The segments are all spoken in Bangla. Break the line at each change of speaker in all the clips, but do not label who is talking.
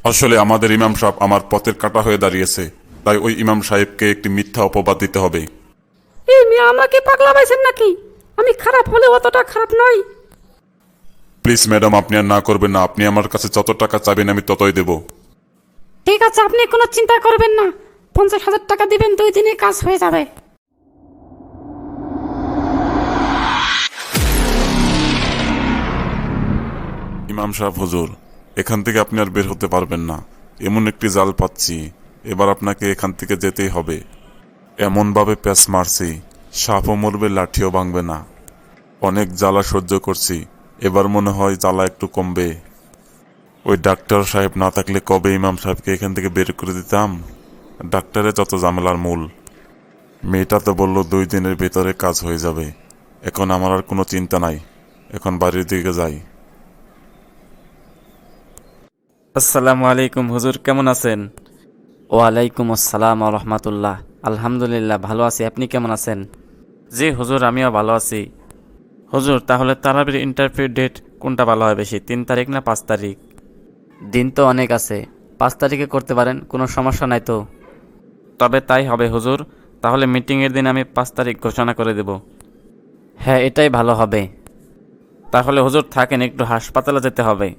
আসলে আমাদের ইমাম সাহেব আমার পথের কাঁটা হয়ে দাঁড়িয়েছে, তাই ওই ইমাম সাহেবকে একটি মিথ্যা অপবাদ দিতে হবে।
এই মেয়ে আমাকে পাগলা পাইছেন নাকি? আমি খারাপ হলে অতটা খারাপ নই।
প্লিজ ম্যাডাম, আপনি আর না করবেন না। আপনি আমার কাছে যত টাকা চাইবেন আমি ততই দেব।
ঠিক আছে, আপনি কোনো চিন্তা করবেন না। 50,000 টাকা দিবেন, 2 দিনে কাজ হয়ে যাবে।
ইমাম সাহেব হুজুর, এখান থেকে আপনি আর বের হতে পারবেন না। এমন একটি জাল পাচ্ছি, এবার আপনাকে এখান থেকে যেতেই হবে। এমনভাবে প্যাঁচ মারছি, সাপও মরবে, লাঠিও ভাঙবে না। অনেক জ্বালা সহ্য করছি, এবার মনে হয় জ্বালা একটু কমবে। ওই ডাক্তার সাহেব না থাকলে কবে ইমাম সাহেবকে এখান থেকে বের করে দিতাম। ডাক্তারে যত ঝামেলার মূল। মেয়েটা তো বলল 2 দিনের ভেতরে কাজ হয়ে যাবে। এখন আমার আর কোনো চিন্তা নাই, এখন বাড়ির দিকে যাই।
আসসালামু আলাইকুম হুজুর, কেমন আছেন?
ওয়ালাইকুম আসসালাম রহমতুল্লাহ। আলহামদুলিল্লাহ ভালো আছি, আপনি কেমন আছেন?
জি হুজুর, আমিও ভালো আছি। হুজুর, তাহলে তারাবির ইন্টারভিউ ডেট কোনটা ভালো হয় বেশি, 3 তারিখ না 5 তারিখ?
দিন তো অনেক আছে, 5 তারিখে করতে পারেন, কোনো সমস্যা নাই তো।
তবে তাই হবে হুজুর। তাহলে মিটিংয়ের দিন আমি 5 তারিখ ঘোষণা করে দেব।
হ্যাঁ, এটাই ভালো হবে।
তাহলে হুজুর থাকেন, একটু হাসপাতালে যেতে হবে।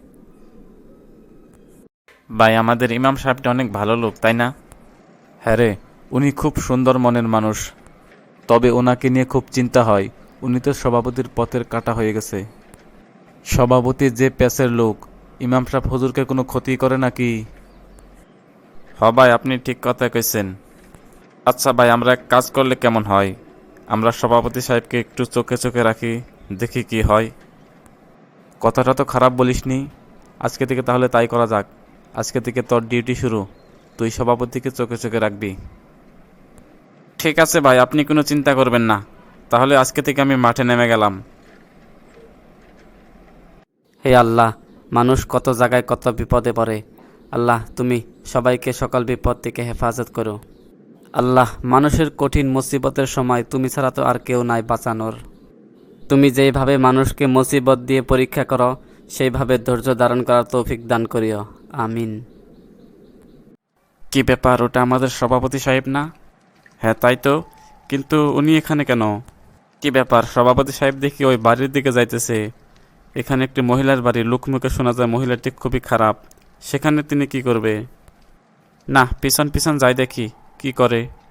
ভাই, আমাদের ইমাম সাহেবটা অনেক ভালো লোক, তাই না?
হ্যাঁ রে, উনি খুব সুন্দর মনের মানুষ। তবে ওনাকে নিয়ে খুব চিন্তা হয়। উনি তো সভাপতির পথের কাঁটা হয়ে গেছে। সভাপতি যে প্যাসের লোক, ইমাম সাহেব হুজুরকে কোনো ক্ষতি করে নাকি?
ভাই, আপনি ঠিক কথা কইছেন। আচ্ছা ভাই, আমরা এক কাজ করলে কেমন হয়? আমরা সভাপতি সাহেবকে একটু চোখে চোখে রাখি, দেখি কি হয়।
কথাটা তো খারাপ বলিসনি। আজকে থেকে তাহলে তাই করা যাক। আজকে থেকে তোর ডিউটি শুরু, তুই সভাপতিকে চোখে চোখে রাখবি।
ঠিক আছে ভাই, আপনি কোনো চিন্তা করবেন না। তাহলে আজকে থেকে আমি মাঠে নেমে গেলাম।
হে আল্লাহ, মানুষ কত জায়গায় কত বিপদে পড়ে। আল্লাহ, তুমি সবাইকে সকল বিপদ থেকে হেফাজত করো। আল্লাহ, মানুষের কঠিন মুসিবতের সময় তুমি ছাড়া তো আর কেউ নাই বাঁচানোর। তুমি যেইভাবে মানুষকে মুসিবত দিয়ে পরীক্ষা করো, সেইভাবে ধৈর্য ধারণ করার তৌফিক দান করিও। আমিন।
কি ব্যাপার, ওটা আমাদের সভাপতি সাহেব না? হ্যাঁ তাই তো, কিন্তু উনি এখানে কেন? কি ব্যাপার, সভাপতি সাহেব দেখি ওই বাড়ির দিকে যাইতেছে। এখানে একটি মহিলার বাড়ি, লোকমুখে শোনা যায় মহিলাটি খুবই খারাপ। সেখানে তিনি কি করবে? না, পিছন পিছন যাই দেখি কি করে।